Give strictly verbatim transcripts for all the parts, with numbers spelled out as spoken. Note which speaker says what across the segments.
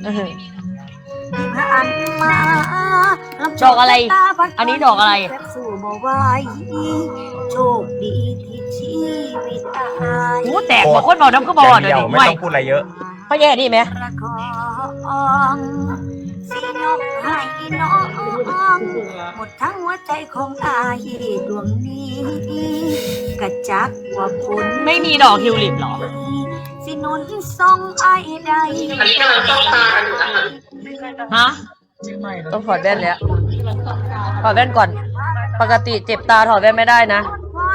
Speaker 1: ดอกอะไรอันนี้ดอกอะไร
Speaker 2: โชคดีที่ชีวิตอาย
Speaker 1: หูแตกบอกคนบอกน้ำก็บอดเดี๋ยวนี้
Speaker 3: ไม่ต้องพูดอะไรเยอะ
Speaker 1: พ่อแย่นี่ไหม
Speaker 2: สิยกให้น้องหมดทั้งหัวใจของอายดวงนี้กระจักว่าคุณ
Speaker 1: ไม่มีดอกทิวลิปหรอ
Speaker 2: สินุนส่งอายใดอันนี้กำลังต้องตากันอยู่
Speaker 1: ฮะต้องถอดแว่นแล้วถอดแว่นก่อนปกติเจ็บตาถอดแว่นไม่ได้นะ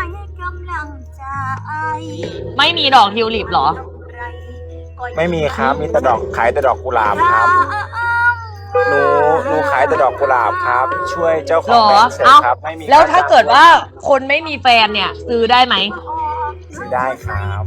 Speaker 1: ไม่มีดอกทิวลิปหรอ
Speaker 3: ไม่มีครับมีแต่ดอกขายแต่ดอกกุหลาบครับหนูหนูขายแต่ดอกกุหลาบครับช่วยเจ้าของแบรนด์เสร็จครับไม่มี
Speaker 1: แล้วถ้าเกิดว่าคนไม่มีแฟนเนี่ยซื้อได้ไหม
Speaker 3: ซื้อได้ครับ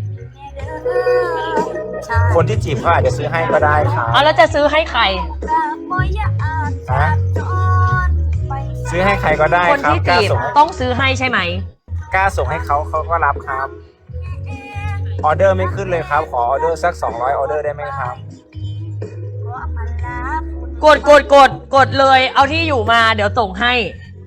Speaker 3: คนที่จีบเขาอาจจะซื้อให้ก็ได้ครับ
Speaker 1: อ๋อแล้วจะซื้อให้ใคร
Speaker 3: ฮะซื้อให้ใครก็ได้
Speaker 1: คนที่จีบต้องซื้อให้ใช่ไหม
Speaker 3: กล้าส่งให้เขาเขาก็รับครับออเดอร์ไม่ขึ้นเลยครับขอออเดอร์สักสองร้อยออเดอร์ได้ไหมครับ
Speaker 1: กดกดกดกดเลยเอาที่อยู่มาเดี๋ยวส่งให้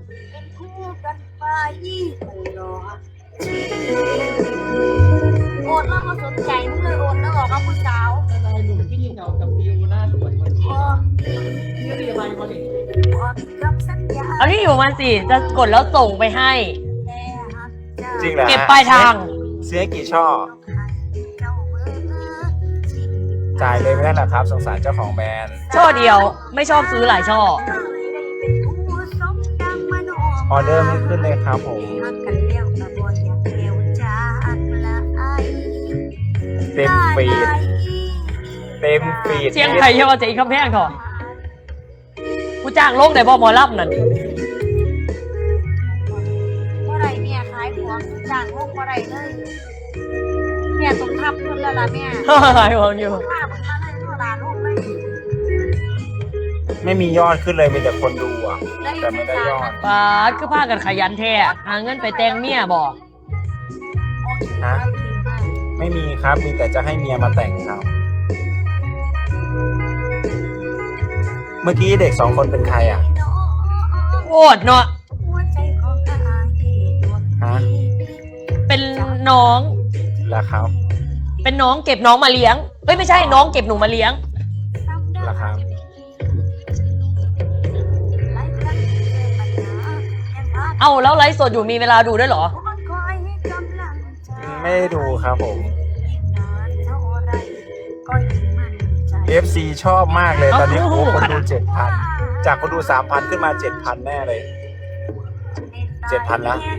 Speaker 2: โอนแล้วก็สนใจมึงเลยโอนแล้วออกกับผู้สาวอะไรหนุ่มที่ยิงเอากับฟิวหน้าสวยมันนี่เรียบร้อยพอดี
Speaker 1: เอาที่อยู่มาสิจะกดแล้วส่งไปให้
Speaker 3: จริงเหรอ
Speaker 1: เก็บปลายทาง
Speaker 3: เสียกี่ช่อจ่ายเลยไม่ได้หรอครับสงสารเจ้าของแบรนด์
Speaker 1: ช่อเดียวไม่ชอบซื้อหลายช่อ
Speaker 3: ออเดอร์ไม่ขึ้นเลยครับผมเต็มฟีดเต็มฟีด
Speaker 1: เชียงไผ่เยาวเจ๊คำแพงเถอะกูจ้างลงในบ่หมอลับนั่น
Speaker 2: ว่าไรเมียขายหัวจ้างลงว่าไรเลยเมียสมทับคนละละเมีย
Speaker 1: ขายหัวอยู่
Speaker 3: ไม่มียอดขึ้นเลยมีแต่คนดูอ่ะแต่ไม่ได้ยอด
Speaker 1: ป้าคือพากันขยันแท้หาเงินไปแต่งเมียบอก
Speaker 3: ฮะไม่มีครับมีแต่จะให้เมียมาแต่งครับเมื่อกี้เด็กสองคนเป็นใครอ่ะ
Speaker 1: โอดเนาะ
Speaker 3: ฮะ
Speaker 1: เป็นน้อง
Speaker 3: เหรอครับ
Speaker 1: เป็นน้องเก็บน้องมาเลี้ยงเอ้ยไม่ใช่น้องเก็บหนูมาเลี้ยง
Speaker 3: เหรอครับ
Speaker 1: เอาแล้วไลฟ์สดอยู่มีเวลาดูด้วยเหรอ
Speaker 3: ไม่ได้ดูครับผม เอฟ ซี ชอบมากเลยตอนนี้โอ้คนดูเจ็ดพันจากคนดูสามพันขึ้นมาเจ็ดพันแน่เลยเจ็ดพันแล้ว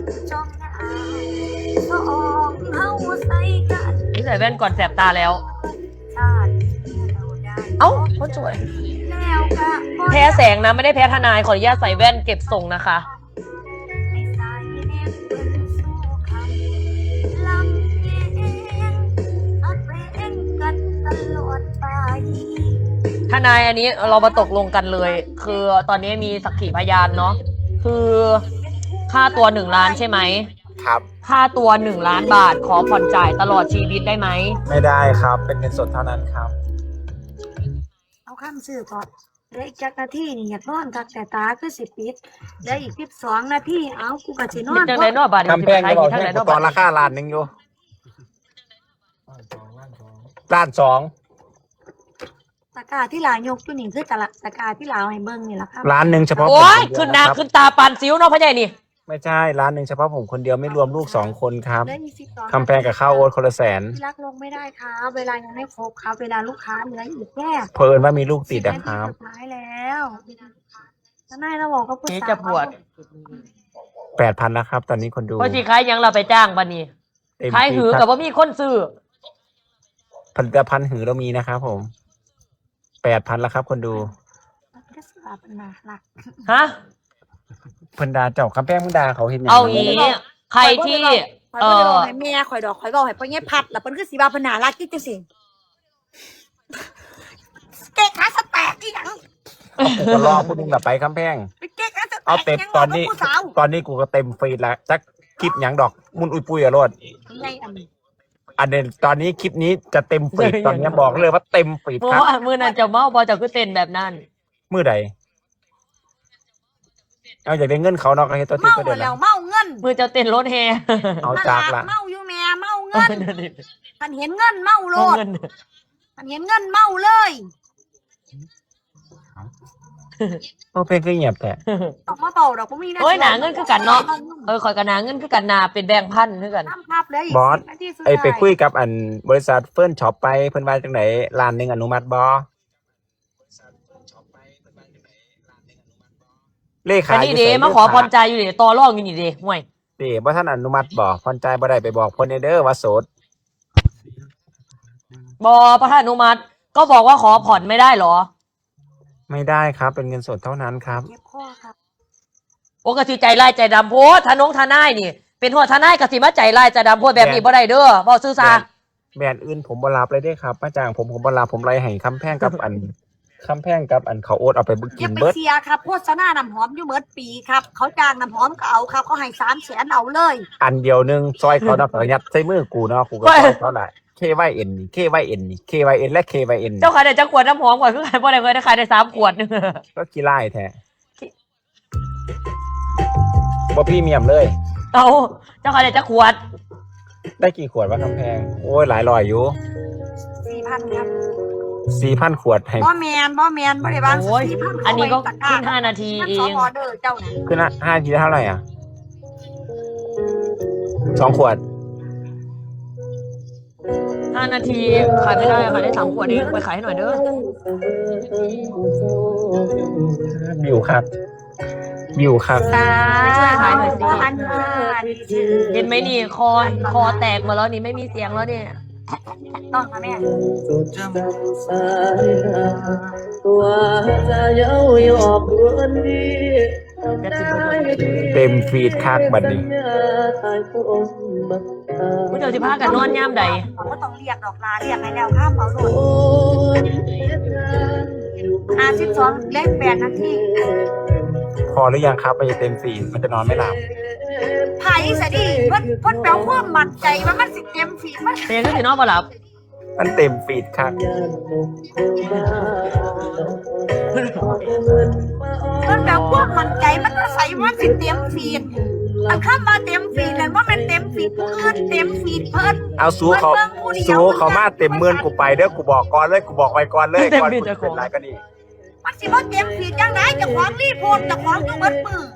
Speaker 1: นี่ใส่แว่นก่อนแสบตาแล้วเอ้าคนสวยแพ้แสงนะไม่ได้แพ้ทนายขออนุญาตใส่แว่นเก็บทรงนะคะทนายอันนี้เรามาตกลงกันเลยคือตอนนี้มีสักขีพยานเนาะคือค่าตัวหนึ่งล้านใช่ไหม
Speaker 3: ครับ
Speaker 1: ค่าตัวหนึ่งล้านบาทขอผ่อนจ่ายตลอดชีวิตได้ไหม
Speaker 3: ไม่ได้ครับเป็นเงินสดเท่านั้นครับ
Speaker 2: เอาข้ามซื้อก่อนได้อีกจักนาทีนี่อยากนอนทักแต่ตาคือสิปิดได้อีกสิบสองนาทีเอากูกะสินอน
Speaker 1: จังได๋นอบาด
Speaker 3: คำแพงก็บอกให้ตอนราคาล้านนึงอยู่ล้านสอง
Speaker 2: ตะกาที่ลายกตัวนี้คือตะละตะกาที่ลาวให้เบิ้งนี่แหละครับ
Speaker 3: ร้านหนึ่งเฉพาะ
Speaker 1: โอ้ยขึ้นหน้าขึ้นตาปานซิ้วเนาะพ่อใหญ่นี่
Speaker 3: ไม่ใช่ร้านหนึ่งเฉพาะผมคนเดียวไม่รวมลูกสองคนครับคำแพงกับข้าวโอ๊ตคนละแสน
Speaker 2: รักลงไม่ได้ครับเวลายังไม่ครบครับเวลาลูกค้าเหลืออีกแค่
Speaker 3: เพิ่นว่ามีลูกติดนะครับ
Speaker 2: ท้ายแล้วนายเราบอกก็พูด
Speaker 1: จะปวด
Speaker 3: แปดพันแล้วครับตอนนี้คนดู
Speaker 1: พอจีขายยังเราไปจ้างบันนี้ขายหือกับว่ามีคนซื้อ
Speaker 3: ผลิตภัณฑ์หือเรามีนะครับผมแปดพันแล้วครับคนดู
Speaker 1: ฮะ
Speaker 3: พันดาเจ้าคำแป้งพันดาเขาเห็น
Speaker 1: เอางี้ใครที่
Speaker 2: เออเมียข่อยดอกข่อยบอกให้พ่อเงี้ยพัดแล้วเพิ่นคือสีบาพนารักที่จังสิเก๊กขาสแตกอีหยัง
Speaker 3: ก็รอพูดนึงแบบไปคำแป้งเอาเต็มตอนนี้ตอนนี้กูก็เต็มฟีดแล้วจักคลิปหยังดอกมุนอุยปุยอะรถอันเดนตอนนี้คลิปนี้จะเต็มฟีดตอนนี้บอกเลยว่าเต็มฟีด
Speaker 1: เพราะ
Speaker 3: ครับ
Speaker 1: ว่ามือนั้นจะเมาบอจะคือเต้นแบบนั้น
Speaker 3: มือใดเอาอยากได้เงินเขาเนาะก็ให้ตัวที่
Speaker 2: เมา
Speaker 3: ก็เดือน
Speaker 2: แล้
Speaker 3: ละ
Speaker 2: วเมาเงิน
Speaker 1: มือจะเต้นรถแฮ
Speaker 3: เอาจากละ
Speaker 2: เมาอยู่แม่เมาเงินคันเห็นเงินเมาโลด
Speaker 1: เงิน
Speaker 2: คันเห็นเงินเมาเลย
Speaker 3: โอ้เพลงก็เงียบแต่
Speaker 2: ต้องมาเป่าดอกบ่มีนะ
Speaker 1: โอ้ยหนาเงินคือกันเนาะเออคอยกันหนาเงินคือกันหนาเป็นแบงค์พันคือกัน
Speaker 2: ทำภาพเลยอีก
Speaker 3: บอส
Speaker 2: สินาทีสุด
Speaker 3: ไอไป
Speaker 2: ท้าย
Speaker 3: คุยกับอันบริษัทเฟิร์นช็อปไปเพิ่นว่าจังไหนร้านหนึงอนุมัติบ่เลขา
Speaker 1: อันนี้เดมาขอพรใจอยู่เดต่อรองอยู่นี่เดห่วย
Speaker 3: เด้บ่ท่านอนุมัติบ่พรใจบ่ได้ไปบอกเพิ่นเด้อว่าโสด
Speaker 1: บอประธานอนุมัติก็บอกว่าขอผ่อนไม่ได้เหรอ
Speaker 3: ไม่ได้ครับเป็นเงินสดเท่านั้นครับ
Speaker 2: เก็บข้อครับ
Speaker 1: โอ้กะสิใจไล่ใจดำโพดทานงทนายนี่ เป็นหัวทนายกะสิมาใจไล่ใจดำโพดแบบนี้บ่ได้เด้อบ่ซื่อซา
Speaker 3: แบรนด์อื่นผมบ่รับเลยเด้ครับมาจ้างผมผมบ่รับผมไล่ให้คำแพงกับอัน คำแพงกับอันเขาโอ๊ตเอาไปบึก
Speaker 2: อ
Speaker 3: กิ
Speaker 2: ย่าน ไป
Speaker 3: เบิด
Speaker 2: เสียครับโฆษณาน้ำหอมอยู่เบิดปีครับ เขาจ้างน้ำหอมก็เอาครับเขาให้สามแสนเอาเลย
Speaker 3: อันเดียวหนึงซอยเขาเนาะก็ยัดใส่มือกูเนาะกูก็ซอยเขาได้ เค วาย เอ็น นี่ เค วาย เอ็น นี่ เค วาย เอ็น และ เค วาย เอ็น
Speaker 1: เจ้าขายได้จักขวดน้ำหอมก่อนคือขายบ่ได้เคยได้ขายได้สามขวดนึง
Speaker 3: ก็ขี้ไล่แท้บ่พรีเมียมเลย
Speaker 1: เอาเจ้าขายได้จักขวด
Speaker 3: ได้กี่ขวดวะคำแพง โอ้ยหลายร้อยอยู่
Speaker 2: สี่พันครับ
Speaker 3: สี่พัน ขวดให้
Speaker 2: บ่แมนบ่แมนบ่ได้บาง
Speaker 1: โอ้ย
Speaker 2: สี่พัน
Speaker 1: อันนี้ก็
Speaker 2: เขาไว้ตะร้
Speaker 1: ขึ้นห้านาที
Speaker 2: มัน
Speaker 1: เอ
Speaker 2: สอง
Speaker 1: ง
Speaker 2: ออเดอร์เจ้าน่ะ
Speaker 3: คือนะห้าทีเท่าไหร่อ่ะสองขวด
Speaker 1: ห้านาทีขายไม่ได้ขายได้สามขวดเองไปขายให้หน่อยเด้อ
Speaker 3: บิวครับ บิวครับ
Speaker 2: ตา
Speaker 1: ช่วยขายหน่อยสิ
Speaker 2: อันว่าดีชื่อ
Speaker 1: เห็นไหมนี่คอคอแตกหมาแล้วนี่ไม่มีเสียงแล้วเนี่ย
Speaker 2: ต้องค่ะแม่
Speaker 3: เต็มฟีดคักบัดนี้
Speaker 1: ผู้เจ้าสิพากันนอนย่ามใด
Speaker 2: เขาก็ต้องเรียกดอกลาเรียกให้แล้วข้ามเอาโหลดห้าสิบสองเลขแปดนาที
Speaker 3: พอหรือยังครับมันจะเต็มฟีดมันจะนอนไม่หลับ
Speaker 2: ไผ่สะดีเพิ่นเพิ่นแปลความมั่นใจว่ามันสิเต็มฝีมัน
Speaker 1: เป็นยังไงสินอนบ่หลับ
Speaker 3: มันเต็มฟีดคัก
Speaker 2: เพิ่นแปลความมั่นใจมันก็ใส่ว่าสิเต็มฝีอันข้ามมาเต็มฝีนั่นว่ามันเต็มฝีผู้อื่นเต็มฝีเพิ่น
Speaker 3: เอาซูเขาซูเขามาเต็มหมื่นกูไปเด้อกูบอกก่อนเลยกูบอกไว้ก่อนเลยก่อนกูจะเป็นไรก็ดี
Speaker 2: มันสิบ่เต็มฝีจังได๋เจ้าของรีโพสต์เจ้าของอยู่เบิดมือ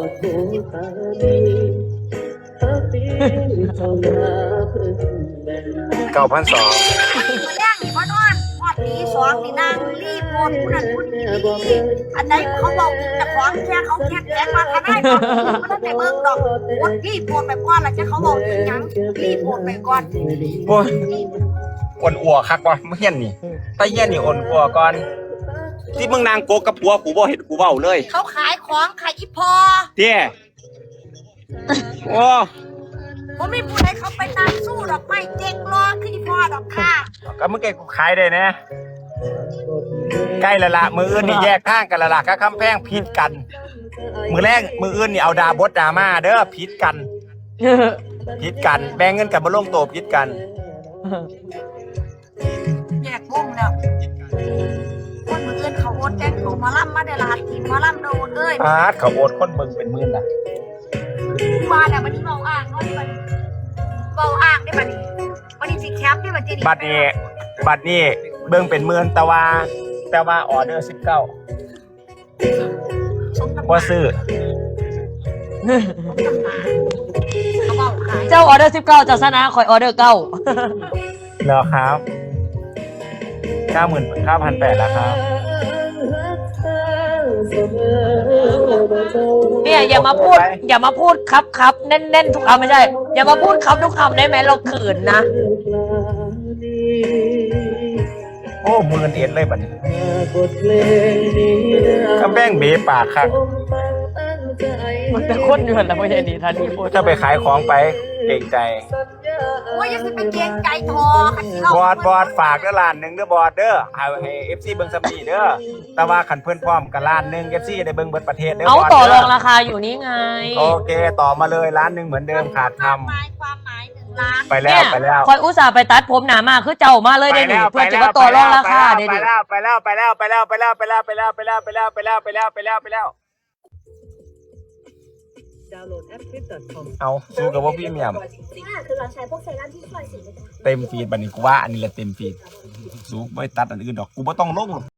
Speaker 3: เก้าพันสอง
Speaker 2: แรงนี่บ่นอนฮอดตีสองนี่นางรีโพสต์ผู้นั้นผู้นี้อันใดเขาบอกเจ้าของแค่เขาแค่แจ้งมาทนายบ่บ่ได้เบิ่งดอกกดรีโพสต์ไปก่อนแล้วจะเขาบอกอีหยังรีโพสต์ไปก่อน
Speaker 3: โอ้ยอ่อนอัวคักวะเฮียนนี่ตาเฮียนนี่อ่อนอัวก่อนที่มึงนางโกกับผัวกูบ่เห็นกูเว้าเลย
Speaker 2: เขาขายของขายอีพอ
Speaker 3: เตี้ยโอ้
Speaker 2: ผมมีผู้ใดเขาไปตามสู้ดอกไม้เจ๊กรอคืออีพอดอกค่ะ
Speaker 3: ก็มึงแกกูขายได้นะใกล้ละละมืออื่นนี่แยกทางกันละละก็คำแพงผิดกัน มือแรกมืออื่นนี่เอาดาบดดราม่าเด้อผิดกันผิดกันแบ่งเงินกันมาลงโตผิดกัน
Speaker 2: แยกวงแล้วคนมืออื่นเขาโอนแจ้งเขามาล่ำมาได้ลาทีมาล่ำโดนเอ้ย
Speaker 3: พาดเขาโอดคนเบิ่งเป็นหมื่นน่ะ
Speaker 2: ว่าแล้ววันนี้เบาอ่างเนาะนี่มันเบาอ่างได้บัดนี้วันนี้สิแคปได้บัดนี้
Speaker 3: บัตรนี้บัตรนี้เบิ่งเป็นหมื่นแต่ว่าแต่ว่าออเดอร์สิบเก้า
Speaker 2: สมน้ำห
Speaker 3: ว่า
Speaker 2: น้า
Speaker 3: ซื้อ
Speaker 2: เขาเบาขาย
Speaker 1: เจ้าออเดอร์สิบเก้าเจ้าชนะคอยออเดอร์เก้า
Speaker 3: แล้วครับเก้าหมื่นเก้าพันแปดแล้วครับ
Speaker 1: เนี่ยอย่ามาพูด อย่ามาพูดครับครับแน่นๆทุกคำไม่ใช่ อย่ามาพูดครับทุกคำได้ไหมเราขืนนะ
Speaker 3: โอ้หมื่นเอ็ดเลยบัตรนี้กำแพงเบปากครับ
Speaker 1: มันเป็นคนเดือนแล้วไม่ใช่ดีท่านที่พูด
Speaker 3: ถ้าไปขายของไปเกรงใจ
Speaker 2: โอ้ยอยังสิเป็นเกรงใจทอคันที่เรา
Speaker 3: บอดบอดฝากเด้อล้านหนึ่งเด้อบอดเด้อเอาให้เอฟซีเบิ้งซัมนี่เด้อแต่ว่าขันเพื่อนพร้อมกับล้านหนึ่งเอฟซีได้เบิ้งเบิดประเทศเด้อ
Speaker 1: เอา
Speaker 3: บอด
Speaker 1: ต่อร
Speaker 3: เด้
Speaker 1: องราคาอยู่นี่ไง
Speaker 3: โอเคต่อมาเลยล้านหนึ่งเหมือนเดิมขาดท
Speaker 2: ความหมายความหมายหนึ่งลา
Speaker 3: ไปแล้วไปแล้ว
Speaker 1: คอยอุตส่าห์ไปตัดผมหนามาคือเจ้ามาเลยได้หนิเพื่อจะมาต่อรองราคาได้
Speaker 3: ไป
Speaker 1: ดิ
Speaker 3: แล้วไปแล้วไปแล้วไปแล้วไปแล้วไปแล้วไปแล้วไปแล้วไปแล้วไปแล้วไปแล้วไปแล้วไปแล้ว
Speaker 4: Downloadแอป คลิป ดอท คอม
Speaker 3: เอาสู้กับว่าพี่เมียม
Speaker 5: คือเราใช้พวกเซรั่มที่ช่วยสี
Speaker 3: เต็มฟีดบัดนี้กูว่าอันนี้แหละเต็มฟีดสู้ไม่ตัดอันอื่นดอกกูไม่ต้องลง